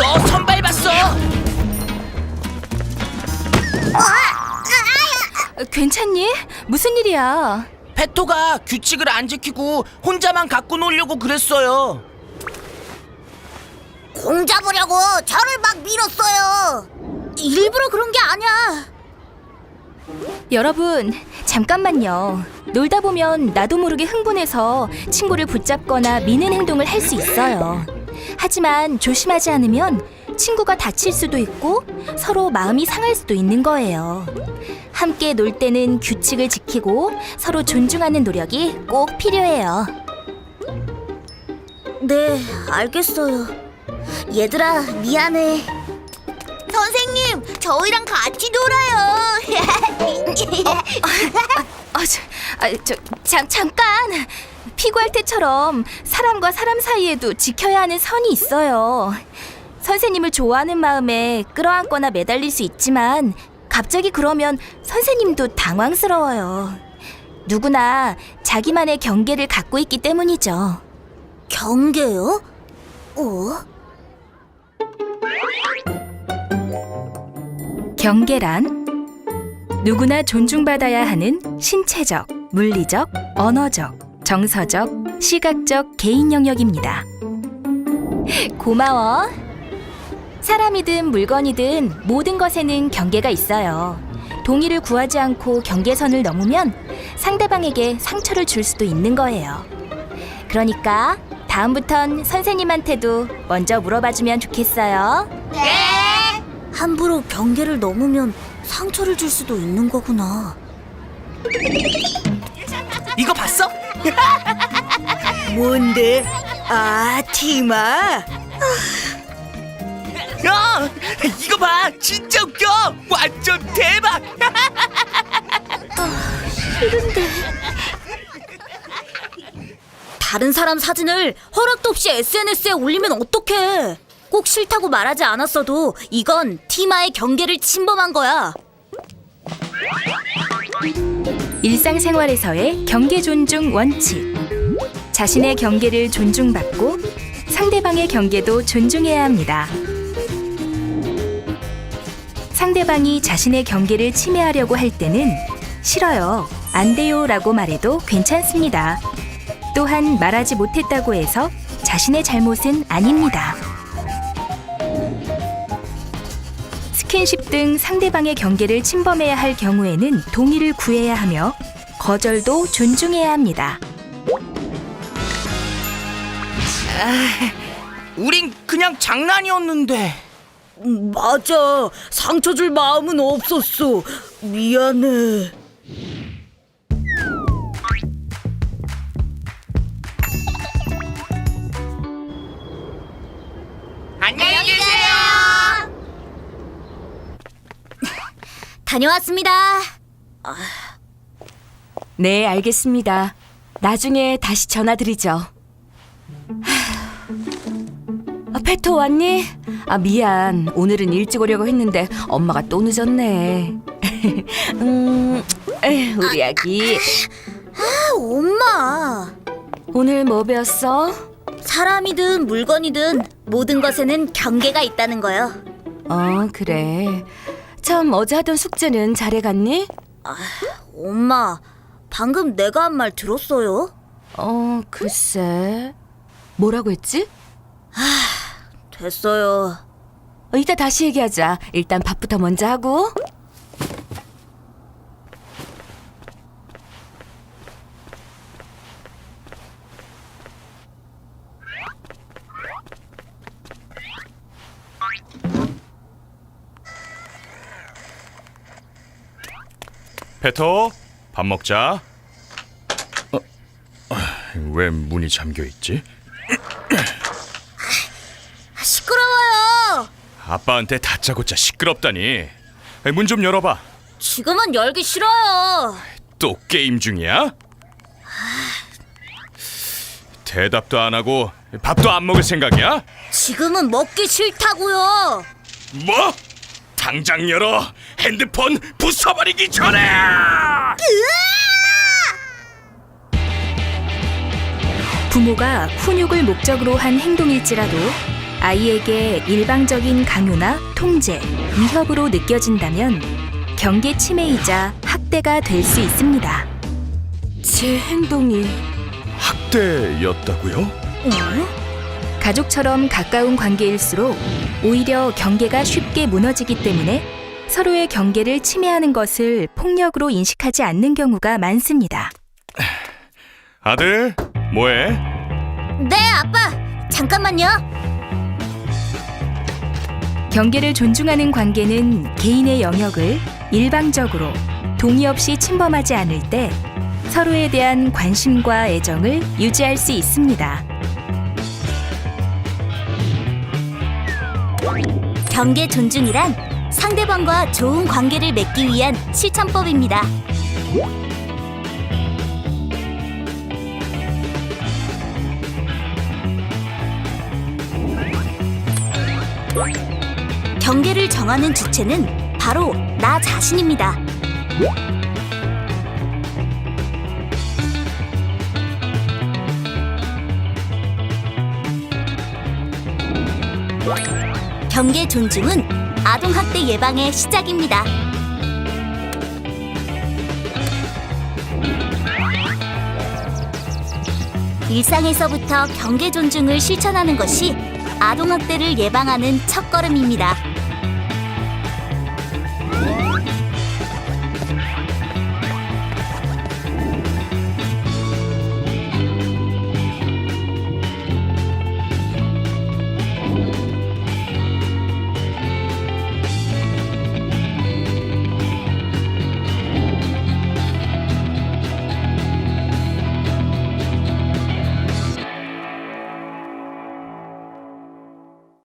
선 밟았어. 괜찮니? 무슨 일이야? 페토가 규칙을 안 지키고 혼자만 갖고 놀려고 그랬어요. 공 잡으려고 저를 막 밀었어요. 일부러 그런 게 아니야. 여러분, 잠깐만요. 놀다 보면 나도 모르게 흥분해서 친구를 붙잡거나 미는 행동을 할 수 있어요. 하지만 조심하지 않으면 친구가 다칠 수도 있고 서로 마음이 상할 수도 있는 거예요. 함께 놀 때는 규칙을 지키고 서로 존중하는 노력이 꼭 필요해요. 네, 알겠어요. 얘들아, 미안해. 선생님, 저희랑 같이 놀아요. 잠깐! 피구할 때처럼 사람과 사람 사이에도 지켜야 하는 선이 있어요. 선생님을 좋아하는 마음에 끌어안거나 매달릴 수 있지만 갑자기 그러면 선생님도 당황스러워요. 누구나 자기만의 경계를 갖고 있기 때문이죠. 경계요? 경계란 누구나 존중받아야 하는 신체적, 물리적, 언어적, 정서적, 시각적 개인 영역입니다. 고마워. 사람이든 물건이든 모든 것에는 경계가 있어요. 동의를 구하지 않고 경계선을 넘으면 상대방에게 상처를 줄 수도 있는 거예요. 그러니까 다음부턴 선생님한테도 먼저 물어봐주면 좋겠어요. 네. 함부로 경계를 넘으면 상처를 줄 수도 있는 거구나. 이거 봤어? 뭔데? 아, 티마? 야, 이거 봐. 진짜 웃겨. 완전 대박. 다른 사람 사진을 허락도 없이 SNS에 올리면 어떡해? 꼭 싫다고 말하지 않았어도 이건 티마의 경계를 침범한 거야. 일상생활에서의 경계 존중 원칙. 자신의 경계를 존중받고 상대방의 경계도 존중해야 합니다. 상대방이 자신의 경계를 침해하려고 할 때는 싫어요, 안 돼요 라고 말해도 괜찮습니다. 또한 말하지 못했다고 해서 자신의 잘못은 아닙니다. 스킨십 등 상대방의 경계를 침범해야 할 경우에는 동의를 구해야 하며 거절도 존중해야 합니다. 우린 그냥 장난이었는데. 맞아. 상처 줄 마음은 없었어. 미안해. 안녕히 계세요. 다녀왔습니다. 네, 알겠습니다. 나중에 다시 전화드리죠. 페토 왔니? 미안. 오늘은 일찍 오려고 했는데 엄마가 또 늦었네. 우리 아기. 엄마. 오늘 뭐 배웠어? 사람이든 물건이든 모든 것에는 경계가 있다는 거요. 그래. 참, 어제 하던 숙제는 잘해갔니? 엄마, 방금 내가 한 말 들었어요? 글쎄. 뭐라고 했지? 됐어요. 이따 다시 얘기하자. 일단 밥부터 먼저 하고. 페토, 밥 먹자. 왜 문이 잠겨 있지? 시끄러워요. 아빠한테 다짜고짜 시끄럽다니. 문 좀 열어봐. 지금은 열기 싫어요. 또 게임 중이야? 대답도 안 하고 밥도 안 먹을 생각이야? 지금은 먹기 싫다고요. 뭐? 당장 열어. 핸드폰 부숴버리기 전에. 부모가 훈육을 목적으로 한 행동일지라도 아이에게 일방적인 강요나 통제, 위협으로 느껴진다면 경계 침해이자 학대가 될 수 있습니다. 제 행동이 학대였다고요? 가족처럼 가까운 관계일수록 오히려 경계가 쉽게 무너지기 때문에 서로의 경계를 침해하는 것을 폭력으로 인식하지 않는 경우가 많습니다. 아들, 뭐해? 네, 아빠. 잠깐만요. 경계를 존중하는 관계는 개인의 영역을 일방적으로 동의 없이 침범하지 않을 때 서로에 대한 관심과 애정을 유지할 수 있습니다. 경계 존중이란 상대방과 좋은 관계를 맺기 위한 실천법입니다. 경계를 정하는 주체는 바로 나 자신입니다. 경계 존중은 아동학대 예방의 시작입니다. 일상에서부터 경계 존중을 실천하는 것이 아동학대를 예방하는 첫걸음입니다.